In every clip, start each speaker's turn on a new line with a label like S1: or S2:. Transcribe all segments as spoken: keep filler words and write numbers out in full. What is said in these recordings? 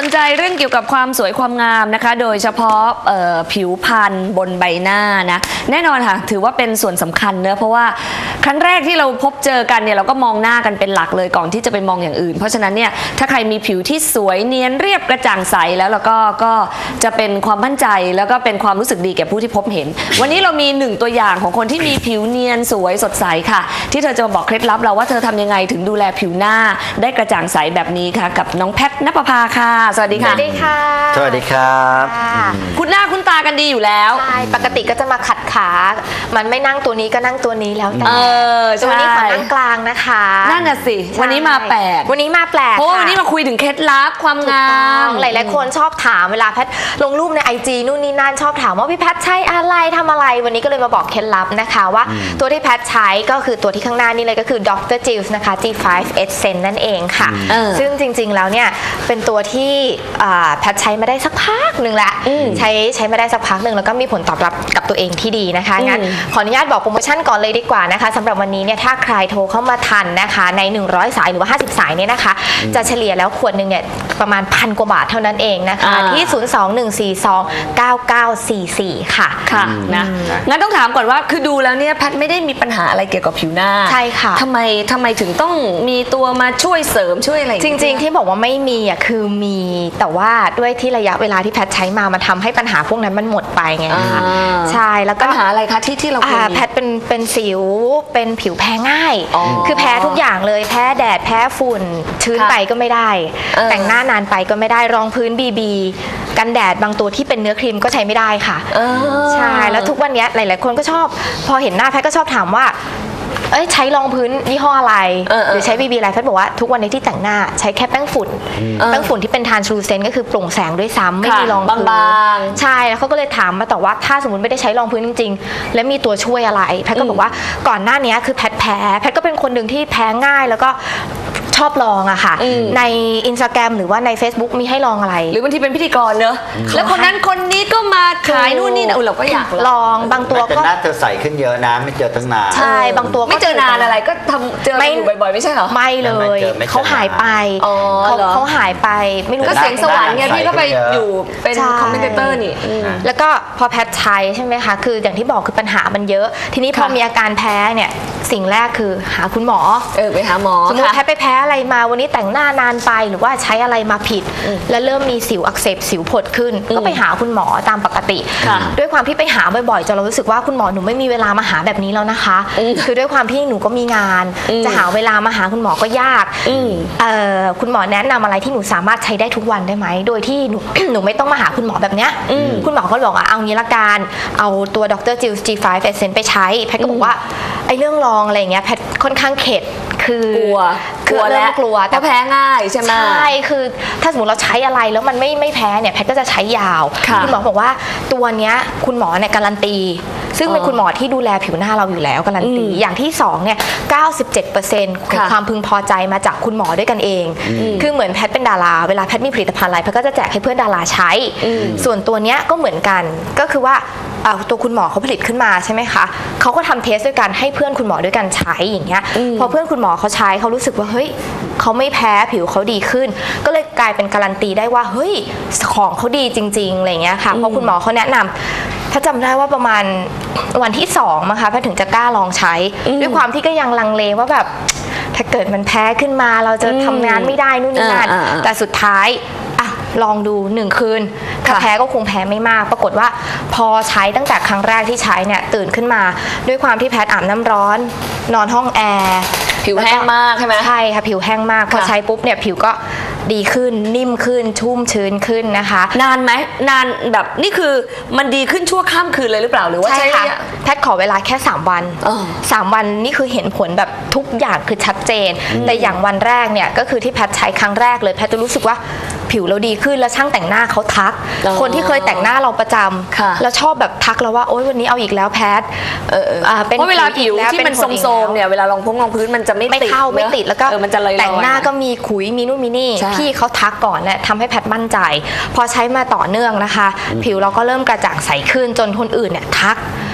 S1: ใจเรื่องเกี่ยวกับความสวยความงามนะคะโดยเฉพาะผิวพรรณบนใบหน้านะแน่นอนค่ะถือว่าเป็นส่วนสำคัญเนอะเพราะว่าครั้งแรกที่เราพบเจอกันเนี่ยเราก็มองหน้ากันเป็นหลักเลยก่อนที่จะไปมองอย่างอื่นเพราะฉะนั้นเนี่ยถ้าใครมีผิวที่สวยเนียนเรียบกระจ่างใสแล้วแล้วก็ก็จะเป็นความมั่นใจแล้วก็เป็นความรู้สึกดีแก่ผู้ที่พบเห็นวันนี้เรามีหนึ่งตัวอย่างของคนที่มีผิวเนียนสวยสดใสค่ะที่เธอจะมาบอกเคล็ดลับเราว่าเธอทำยังไงถึงดูแลผิวหน้าได้กระจ่างใสแบบนี้ค่ะกับน้องแพทณปภาค่ะสวัสดีค่ะ
S2: สวัสดีค่ะ
S3: สวัสดีครับ
S1: คุณหน้าคุณตากันดีอยู่แล้ว
S2: ใช่ปกติก็จะมาขัดขามันไม่นั่งตัวนี้ก็นั่งตัวนี้แล้วแต่
S1: ตั
S2: วนี้ขอนั่งกลางนะคะ
S1: นั่นน่ะสิวันนี้มาแปลก
S2: วันนี้มาแปลก
S1: เพราะว่าวันนี้มาคุยถึงเคล็ดลับความงาม
S2: หลายๆคนชอบถามเวลาแพทลงรูปใน ไอ จี นู่นนี่นั่นชอบถามว่าพี่แพทใช้อะไรทำอะไรวันนี้ก็เลยมาบอกเคล็ดลับนะคะว่าตัวที่แพทใช้ก็คือตัวที่ข้างหน้านี่เลยก็คือ ด็อกเตอร์ Jills นะคะ จี ไฟว์ Essence นั่นเองค่ะซึ่งจริงๆแล้วเนี่ยเป็นตัวที่แพทใช้มาได้สักพักหนึ่งละใช้ใช้มาได้สักพักหนึ่งแล้วก็มีผลตอบรับกับตัวเองที่ดีนะคะงั้นขออนุญาตบอกโปรโมชั่นก่อนเลยดีกว่านะคะสำหรับวันนี้เนี่ยถ้าใครโทรเข้ามาทันนะคะในหนึ่งร้อยสายหรือว่าห้าสิบสายเนี่ยนะคะจะเฉลี่ยแล้วขวดหนึ่งเนี่ยประมาณพันกว่าบาทเท่านั้นเองนะคะที่ศูนย์ สอง หนึ่ง สี่ สอง เก้า เก้า สี่ สี่ค่ะ
S1: ค่ะนะงั้นต้องถามก่อนว่าคือดูแล้วเนี่ยแพทไม่ได้มีปัญหาอะไรเกี่ยวกับผิวหน้า
S2: ใช่ค่ะ
S1: ทำไมทำไมถึงต้องมีตัวมาช่วยเสริมช่วยอะไร
S2: จริงๆที่บอกว่าไม่มีอ่ะคือมีแต่ว่าด้วยที่ระยะเวลาที่แพทใช้มามันทำให้ปัญหาพวกนั้นมันหมดไปไงคะใช่แล้วก็
S1: ปัญหาอะไรคะที่ที่เรา
S2: แพทเป็นเป็นสิวเป็นผิวแพ้ง่ายคือแพ้ทุกอย่างเลยแพ้แดดแพ้ฝุ่นชื้นไปก็ไม่ได้แต่งหน้านานไปก็ไม่ได้รองพื้นบีบีกันแดดบางตัวที่เป็นเนื้อครีมก็ใช้ไม่ได้ค่ะใช่แล้วทุกวันนี้หลายๆคนก็ชอบพอเห็นหน้าแพทก็ชอบถามว่าเอ้ยใช้รองพื้นยี่ห้ออะไรหรือใช้บีบีอะไรแพทบอกว่าทุกวันนี้ที่แต่งหน้าใช้แค่แป้งฝุ่นแป้งฝุ่นที่เป็นทรานสลูเซนต์ก็คือโปร่งแสงด้วยซ้ำไม่มีรองพื้นใช่แล้วเขาก็เลยถามมาแต่ว่าถ้าสมมติไม่ได้ใช้รองพื้นจริงๆแล้วมีตัวช่วยอะไรแพทก็บอกว่าก่อนหน้านี้คือแพทแพ้แพทก็เป็นคนหนึ่งที่แพ้ง่ายแล้วก็ชอบลองอะค่ะใน อินสตาแกรม หรือว่าใน เฟซบุ๊ก มีให้ลองอะไร
S1: หรือบางทีเป็นพิธีกรเนอะแล้วคนนั้นคนนี้ก็มาขายนู่นนี่นะเราก็อยาก
S2: ลองบางตัว
S3: ก็หน้าเธอใสขึ้นเยอะนะไม่เจอตั้งนาน
S2: ใช่บางตัว
S1: ไม่เจอนานอะไรก็ทำเจออยู่บ่อยๆไม่ใช่เหรอ
S2: ไม่เลยเขาหายไปเขาเขาหายไปไม่รู้
S1: ก็เสียงสวรรค์ไงพี่ก็ไปอยู่เป็นคอมเมนเตอร์นี่
S2: แล้วก็พอแพทใช้ใช่ไหมคะคืออย่างที่บอกคือปัญหามันเยอะทีนี้พอมีอาการแพ้เนี่ยสิ่งแรกคือหาคุณหมอ
S1: เออไปหาหมอ
S2: สมมติแพทไปแพ้อะไรมาวันนี้แต่งหน้านานไปหรือว่าใช้อะไรมาผิดแล้วเริ่มมีสิวอักเสบสิวผดขึ้นก็ไปหาคุณหมอตามปกติด้วยความที่ไปหาบ่อยๆจนเรารู้สึกว่าคุณหมอหนูไม่มีเวลามาหาแบบนี้แล้วนะคะคือด้วยความที่หนูก็มีงานจะหาเวลามาหาคุณหมอก็ยากคุณหมอแนะนำอะไรที่หนูสามารถใช้ได้ทุกวันได้ไหมโดยที่หนู หนูไม่ต้องมาหาคุณหมอแบบเนี้ยคุณหมอก็บอกว่าเอางี้ละกันเอาตัว ด็อกเตอร์ Jills จี ไฟว์ Essence ไปใช้แพทก็บอกว่าไอ้เรื่องลองอะไรเงี้ยแพทค่อนข้างเข็ดคือก
S1: ลัว
S2: กลัวแล้วกลัว
S1: แต่แพ้ง่ายใช่ไหม
S2: ใช่คือถ้าสมมติเราใช้อะไรแล้วมันไม่ไม่แพ้เนี่ยแพทก็จะใช้ยาวคุณหมอบอกว่าตัวเนี้ยคุณหมอเนี่ยการันตีซึ่งเป็นคุณหมอที่ดูแลผิวหน้าเราอยู่แล้วการันตีอย่างที่สองเนี่ย เก้าสิบเจ็ดเปอร์เซ็นต์ ของความพึงพอใจมาจากคุณหมอด้วยกันเองคือเหมือนแพทเป็นดาราเวลาแพทมีผลิตภัณฑ์อะไรแพทก็จะแจกให้เพื่อนดาราใช้ส่วนตัวเนี้ยก็เหมือนกันก็คือว่าตัวคุณหมอเขาผลิตขึ้นมาใช่ไหมคะเขาก็ทำเทสด้วยกันให้เพื่อนคุณหมอด้วยกันใช้อย่างเงี้ยพอเพื่อนคุณหมอเขาใช้เขารู้สึกว่าเฮ้ยเขาไม่แพ้ผิวเขาดีขึ้นก็เลยกลายเป็นการันตีได้ว่าเฮ้ยของเขาดีจริงๆอะไรเงี้ยค่ะเพราะคุณหมอเขาแนะนำถ้าจำได้ว่าประมาณวันที่สองมั้งคะแพทถึงจะกล้าลองใช้ด้วยความที่ก็ยังลังเลว่าแบบถ้าเกิดมันแพ้ขึ้นมาเราจะทำงานไม่ได้นู่นนี่นั่นแต่สุดท้ายลองดูหนึ่งคืนถ้าแพ้ก็คงแพ้ไม่มากปรากฏว่าพอใช้ตั้งแต่ครั้งแรกที่ใช้เนี่ยตื่นขึ้นมาด้วยความที่แพทอาบน้ำร้อนนอนห้องแอร์
S1: ผิวแห้งมากใช่ไหม
S2: ใช่ค่ะผิวแห้งมากพอใช้ปุ๊บเนี่ยผิวก็ดีขึ้นนิ่มขึ้นชุ่มชื้นขึ้นนะคะ
S1: นานไหมนานแบบนี่คือมันดีขึ้นชั่วข้ามคืนเลยหรือเปล่าหรือว่าใช่
S2: ค่ะแพทขอเวลาแค่สามวันสามวันนี่คือเห็นผลแบบทุกอย่างคือชัดเจนแต่อย่างวันแรกเนี่ยก็คือที่แพทใช้ครั้งแรกเลยแพทจะรู้สึกว่าผิวเราดีขึ้นแล้วช่างแต่งหน้าเขาทักคนที่เคยแต่งหน้าเราประจำแล้วชอบแบบทักเราว่าโอ๊ยวันนี้เอาอีกแล้วแพท
S1: เพราะเวลาผิวที่มันโทรมๆเนี่ยเวลาลองพุ่งลองพื้นมันจะไม่
S2: ไม่เข้าไม่ติดแล้วก็แต่งหน้าก็มีขุยมีนู่นมีนี่พี่เขาทักก่อนเนี่ยทำให้แพทมั่นใจพอใช้มาต่อเนื่องนะคะผิวเราก็เริ่มกระจ่างใสขึ้นจนคนอื่นเนี่ยทัก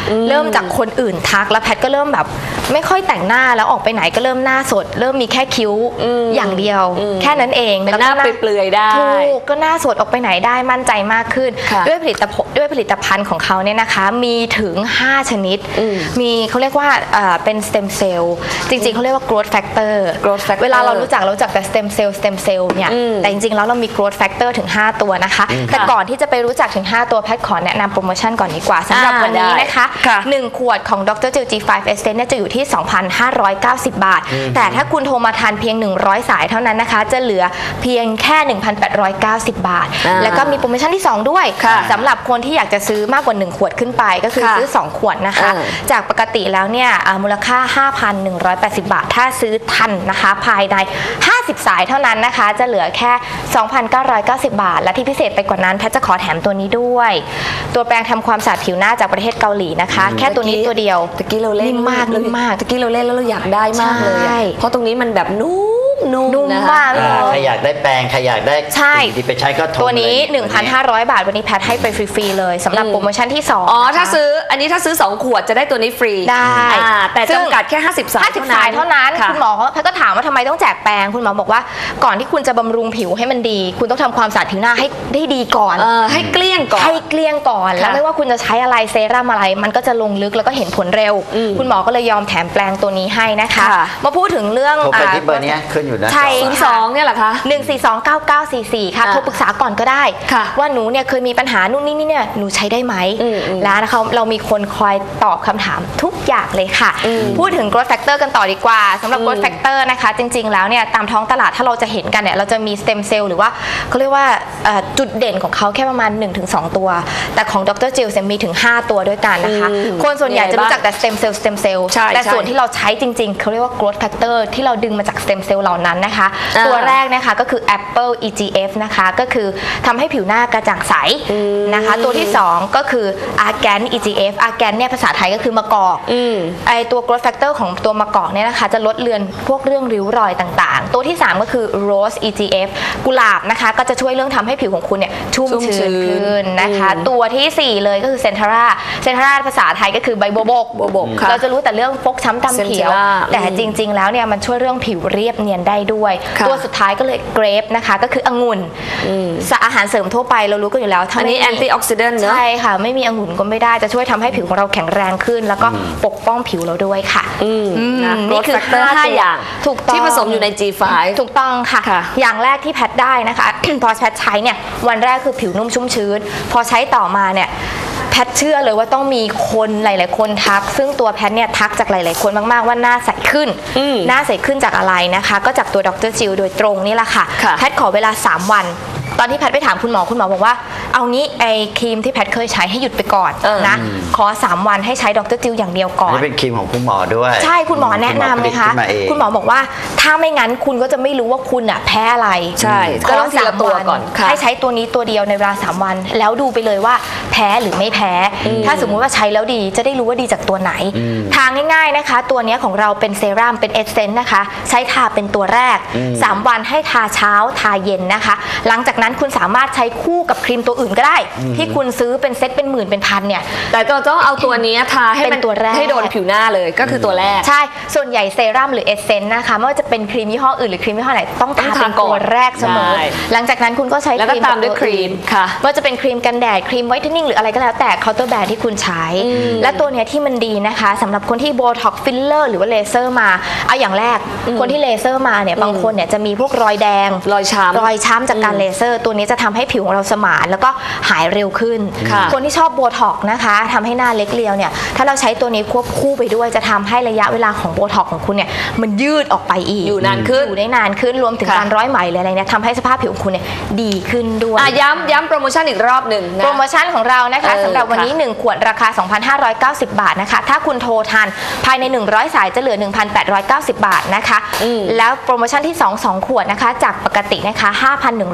S2: เริ่มจากคนอื่นทักแล้วแพทก็เริ่มแบบไม่ค่อยแต่งหน้าแล้วออกไปไหนก็เริ่มหน้าสดเริ่มมีแค่คิ้วอย่างเดียวแค่นั้นเอง
S1: เป็นหน้าเปลือยๆได้
S2: ถูกก็หน้าสดออกไปไหนได้มั่นใจมากขึ้นด้วยผลิตภัณฑ์ด้วยผลิตภัณฑ์ของเขาเนี่ยนะคะมีถึงห้าชนิดมีเขาเรียกว่าเป็นสเต็มเซลล์จริงๆเขาเรียกว่า growth factor เวลาเรารู้จักเรารู้จักแต่ stem cell stem cell เนี่ยแต่จริงๆแล้วเรามี growth factor ถึงห้าตัวนะคะแต่ก่อนที่จะไปรู้จักถึงห้าตัวแพทขอแนะนำโปรโมชั่นก่อนดีกว่าสำหรับวันนี้นะคะหนึ่งขวดของ ดร. จิล จี ไฟว์ Essence เนี่ยจะอยู่ที่ สองพันห้าร้อยเก้าสิบ บาทแต่ถ้าคุณโทรมาทานเพียงหนึ่งร้อยสายเท่านั้นนะคะจะเหลือเพียงแค่ หนึ่งพันแปดร้อยเก้าสิบ บาทแล้วก็มีโปรโมชั่นที่สองด้วยสำหรับคนที่อยากจะซื้อมากกว่าหนึ่งขวดขึ้นไปก็คือซื้อสองขวดนะคะจากปกติแล้วเนี่ยมูลค่า ห้าพันหนึ่งร้อยแปดสิบ บาทถ้าซื้อทันนะคะภายในห้าสิบสายเท่านั้นนะคะจะเหลือแค่ สองพันเก้าร้อยเก้าสิบ บาทและที่พิเศษไปกว่านั้นแพทจะขอแถมตัวนี้ด้วยตัวแปรงทำความสะอาดผิวหน้าจากประเทศเกาหลีนะคะแค่ตัวนี้ตัวเดียว
S1: ตะกี้เราเล่น
S2: นิ่มมากนิ่มมาก
S1: ตะกี้เราเล่นแล้วเราอยากได้มากเลยเพราะตรงนี้มันแบบนุ่มนุ่ม
S2: นุ่มมาก
S3: ใครอยากได้แปรงใครอยากได้ที่ไปใช้ก็โทร
S2: ตัวนี้ หนึ่งพันห้าร้อย บาทวันนี้แพทให้ไปฟรีๆเลยสำหรับโปรโมชั่นที่สอง
S1: อ๋อถ้าซื้ออันนี้ถ้าซื้อสองขวดจะได้ตัวนี้ฟรี
S2: ได้
S1: แต่จำกัดแค่ห้าสิบสาย
S2: เท่านั้นคุณหมอแพทก็ถามว่าทำไมต้องแจกแปรงคุณหมอบอกว่าก่อนที่คุณจะบำรุงผิวให้มันดีคุณต้องทำความสะอาดผิวหน้าให้ได้ดีก่อน
S1: ให้เกลี้ยงก่อน
S2: ให้เกลี้ยงก่อนแล้วไม่ว่าคุณจะใช้อะไรเซรั่มอะไรมันก็จะลงลึกแล้วก็เห็นผลเร็วคุณหมอก็เลยยอมแถมแปรงตัวนี้ให้นะคะมาพูดถึงเรื่อง
S3: โทรไปที่เบอร์นี้ขึ้นอยู่นะ
S2: ใช่
S1: สองเนี่ยแหละคะ
S2: หนึ่ง สี่ สอง เก้า เก้า สี่ สี่ค่ะโทรปรึกษาก่อนก็ได้ว่าหนูเนี่ยเคยมีปัญหานู่นนี่นี่เนี่ยหนูใช้ได้ไหมแล้วนะคะเรามีคนคอยตอบคำถามทุกอย่างเลยค่ะพูดถึง growth factor กันต่อดีกว่าสำหรับ growth factor นะคะจริงๆแล้วเนี่ยตามท้องตลาดถ้าเราจะเห็นกันเนี่ยเราจะมี stem cell หรือว่าเขาเรียกว่าจุดเด่นของเขาแค่ประมาณ หนึ่งถึงสอง ตัวแต่ของ ดร. จิลมีถึงห้าตัวด้วยกันนะคะคนส่วนใหญ่จะรู้จักแต่ stem cell stem cell แต่ส่วนที่เราใช้จริงๆเขาเรียกว่า growth factor ที่เราดึงมาจาก stem cell เหล่านั้นนะคะตัวแรกนะคะก็คือ Apple อี จี เอฟ นะคะก็คือทำให้ผิวหน้ากระจ่างใสนะคะตัวที่สองก็คือ Argan อี จี เอฟ Argan เนี่ยภาษาไทยก็คือมะกอกไอตัว growth factor ของตัวมะกอกเนี่ยนะคะจะลดเลือนพวกเรื่องริ้วรอยต่างๆตัวที่สามก็คือ Rose อี จี เอฟ กุหลาบนะคะก็จะช่วยเรื่องทำให้ผิวของคุณเนี่ยชุ่มชื้นขึ้นนะคะตัวที่สี่เลยก็คือ Centara Centara ภาษาไทยก็คือใบโบกโบกเราจะรู้แต่เรื่องฟกช้ำดำเขียวแต่จริงๆแล้วเนี่ยมันช่วยเรื่องผิวเรียบเนียนได้ด้วยตัวสุดท้ายก็เลยเกรปนะคะก็คือองุ่นอาหารเสริมทั่วไปเรารู้กันอยู่แล้ว
S1: อันนี้แอนตี้ออกซิแดนต์เนอะ
S2: ใช่ค่ะไม่มีองุ่นก็ไม่ได้จะช่วยทำให้ผิวของเราแข็งแรงขึ้นแล้วก็ปกป้องผิวเราด้วยค่ะ
S1: นี่คือห้าอย่าง
S2: ถูกต้อง
S1: ที่ผสมอยู่ใน จี ไฟว์
S2: ถูกต้องค่ะอย่างแรกที่แพทได้นะคะพอแพทใช้เนี่ยวันแรกคือผิวนุ่มชุ่มชื้นพอใช้ต่อมาเนี่ยแพทเชื่อเลยว่าต้องมีคนหลายๆคนทักซึ่งตัวแพทเนี่ยทักจากหลายๆคนมากๆว่าหน้าใสขึ้นหน้าใสขึ้นจากอะไรนะคะก็จากตัวดร. จิลโดยตรงนี่แหละค่ะแพทขอเวลาสามวันตอนที่แพทไปถามคุณหมอคุณหมอบอกว่าเอางี้ไอ้ครีมที่แพทเคยใช้ให้หยุดไปก่อนนะขอสามวันให้ใช้ดร. จิลอย่างเดียวก่อน
S3: นี่เป็นครีมของคุณหมอด้วย
S2: ใช่คุณหมอแนะนำเลยค่ะคุณหมอบอกว่าถ้าไม่งั้นคุณก็จะไม่รู้ว่าคุณอ่ะแพ้อะไร
S1: ใช่ก็ต้องทีละตัวก่อน
S2: ให้ใช้ตัวนี้ตัวเดียวในเวลาสามวันแล้วดูไปเลยว่าแพ้หรือไม่แพ้ถ้าสมมุติว่าใช้แล้วดีจะได้รู้ว่าดีจากตัวไหนทางง่ายๆนะคะตัวนี้ของเราเป็นเซรั่มเป็นเอสเซนต์นะคะใช้ทาเป็นตัวแรกสามวันให้ทาเช้าทาเย็นนะคะหลังจากนั้นคุณสามารถใช้คู่กับครีมตัวอื่นก็ได้ที่คุณซื้อเป็นเซ็ตเป็นหมื่นเป็นพันเนี่ย
S1: แต่ก็ต้องเอาตัวนี้ทาให้เป็นตัวแรกให้โดนผิวหน้าเลยก็คือตัวแรก
S2: ใช่ส่วนใหญ่เซรั่มหรือเอสเซนต์นะคะไม่ว่าจะเป็นครีมยี่ห้ออื่นหรือครีมยี่ห้อไหนต้องทาเป็นตัวแรกเสมอหลังจากนั้นคุณก็ใช้
S1: ครีมตามด้วยครีมค่ะ
S2: ว่าจะเป็นครีมกันแดดครีมไวท์เทนนิ่งหรืออะไรก็แล้วแต่เคาน์เตอร์แบรนด์ที่คุณใช้และตัวเนี้ยที่มันดีนะคะสำหรับคนที่โบท็อกฟิลเลอร์หรือว่าเลเซอร์มาเอาอย่างแรกคนที่เลเซอร์มาเนี่ยบางคนเนี่ยจะมีพวกรอยแดง
S1: รอยช้ำ
S2: รอยช้ำจากการเลเซอร์ตัวนี้จะทำให้ผิวของเราสมานแล้วก็หายเร็วขึ้นคนที่ชอบโบท็อกนะคะทำให้หน้าเล็กเรียวเนี่ยถ้าเราใช้ตัวนี้ควบคู่ไปด้วยจะทำให้ระยะเวลาของโบท็อกของคุณเนี่ยมันยืดออกไปอีก
S1: อยู่นานขึ้น
S2: อยู่ได้นานขึ้นรวมถึงการร้อยไหมหรืออะไรเนี่ยทำให้สภาพผิวของคุณเนี่ยดีขึ้นด้วย
S1: ย้ำย้ำโปรโมชั่นอีกรอบหนึ่ง
S2: โปรโมชั่นของเรานะคะสำหรับวันนี้หนึ่งขวดราคา สองพันห้าร้อยเก้าสิบ บาทนะคะถ้าคุณโทรทันภายในหนึ่งร้อยสายจะเหลือ หนึ่งพันแปดร้อยเก้าสิบ บาทนะคะแล้วโปรโมชั่นที่สอง สองขวดนะคะจากปกตินะคะ ห้าพันหนึ่งร้อยแปด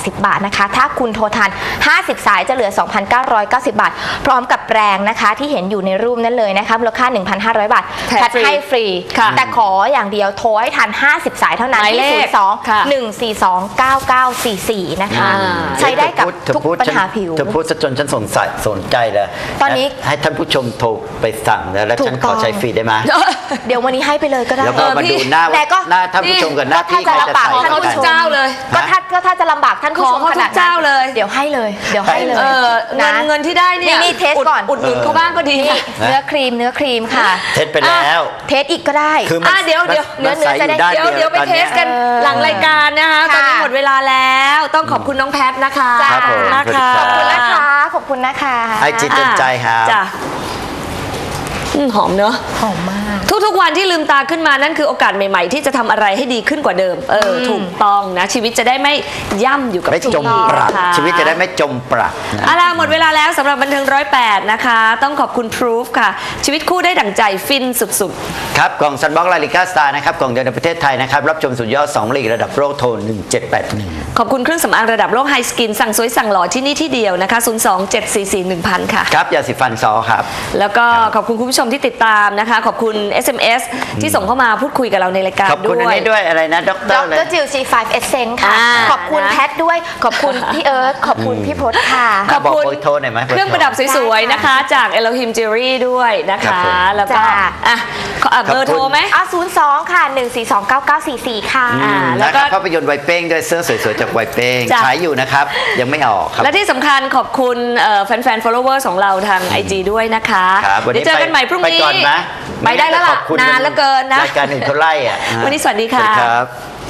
S2: สิบบาทนะคะถ้าคุณโทรทันห้าสิบสายจะเหลือ สองพันเก้าร้อยเก้าสิบ บาทพร้อมกับแปรงนะคะที่เห็นอยู่ในรูปนั้นเลยนะคะมูลค่า หนึ่งพันห้าร้อย บาทแพทให้ฟรีแต่ขออย่างเดียวโทรให้ทันห้าสิบสายเท่านั้นที่ศูนย์ สอง หนึ่ง สี่ สอง เก้า เก้า สี่ สี่นะคะใช้ได้กับทุกปัญหาผิว
S3: เธอพูดจนฉันสนใจสนใจเลย
S2: ตอนนี้
S3: ให้ท่านผู้ชมโทรไปสั่งแล้วแล้วฉันขอใช้ฟรีได้ไหม
S2: เดี๋ยววันนี้ให้ไปเลยก็ได้
S3: แล้วก็มาดูหน้าหน้าท่านผู้ชมกับหน้าที่ใครจะใส่
S1: ท่านผู้ชมเจ้าเลย
S2: ก็ถ้าก็ถ้าจะลำบากท่านผู้ชมขนาด
S1: เจ้าเลย
S2: เดี๋ยวให้เลยเดี๋ยวให้เลย
S1: เงินเงินที่ได้เนี่ย
S2: นี่เทสก่อน
S1: อุดหนุนเขาบ้างก็ดี
S2: เนื้อครีมเนื้อครีมค่ะ
S3: เทสไปแล้ว
S2: เทสอีกก็ได้
S3: คือ
S1: เดี๋ยวเดี๋ยว
S3: เนื้อเนื้อจะได้
S1: เดี๋ยวเดี๋ยวไปเทสกันหลังรายการนะคะตอนนี้หมดเวลาแล้วต้องขอบคุณน้องแพทนะคะ
S2: ขอบคุณนะคะขอบคุณนะคะขอบคุณนะคะ
S3: ให้จิตใจครับ
S1: จ้ะหอมเนอะ
S2: หอมมาก
S1: ทุกๆวันที่ลืมตาขึ้นมานั่นคือโอกาสใหม่ๆที่จะทำอะไรให้ดีขึ้นกว่าเดิมเออถูกต้องนะชีวิตจะได้ไม่ย่ำอยู่กับ
S3: ไม่จมปลักชีวิตจะได้ไม่จมปลักนะ
S1: เอาล่ะหมดเวลาแล้วสำหรับบันเทิงร้อยแปดนะคะต้องขอบคุณ Proof ค่ะชีวิตคู่ได้ดั่งใจฟินสุด
S3: ๆครับกล่องซันบ็อกซ์ลาลิก้าสตาร์นะครับกล่องเดียวในประเทศไทยนะครับรับชมสุดยอดสองลีกระดับโลกโทรหนึ่งเจ็ดแปดหนึ่ง
S1: ขอบคุณเครื่องสำอางระดับโลกไฮสกินสั่งสวยสั่งหล่อที่นี่ที่เดียวนะคะศูนย์ สอง เจ็ด สี่ สี่ หนึ่ง ศูนย์ ศูนย์ค่ะ
S3: ครับยาสีฟันซอครับ
S1: แล้วก็ขอบคุณคุณผู้ชมที่ติดตามนะคะขอบคุณ เอส เอ็ม เอส ที่ส่งเข้ามาพูดคุยกับเราในรายการด้วยขอบ
S3: คุณอันนี้ด้วยอะไรนะด็อกเตอร์
S2: ดรจิว ซี ไฟว์ Essence ค่ะขอบคุณแพทด้วยขอบคุณพี่เอิร์ธขอบคุณพี่พจน์ค่ะ
S3: ขอบคุณ
S1: เครื่องประดับสวยๆนะคะจาก Elohim Jewelry ด้วยนะคะแล้วก็อ่ะเบอร์โทรไหม
S2: อ่ะศูนย์ สอง ค่ะ หนึ่ง สี่ สอง เก้า เก้า สี่ สี่ ค่ะ
S3: แล้วก็ภาพยนตร์ไวเป้งด้วยเสื้อสวยๆจากไวเป้งใช้อยู่นะครับยังไม่ออกครับ
S1: และที่สำคัญขอบคุณแฟนๆ followers ของเราทาง ไอ จี ด้วยนะคะเดี๋ยวเจอกันใหม่พรุ่งนี้ไปได้แล้วล่ะนานเหลือเกินนะ
S3: รายการหนึ่งเขาไล่อ่ะ
S1: วันนี้สวัสดีค่ะ
S3: ครับ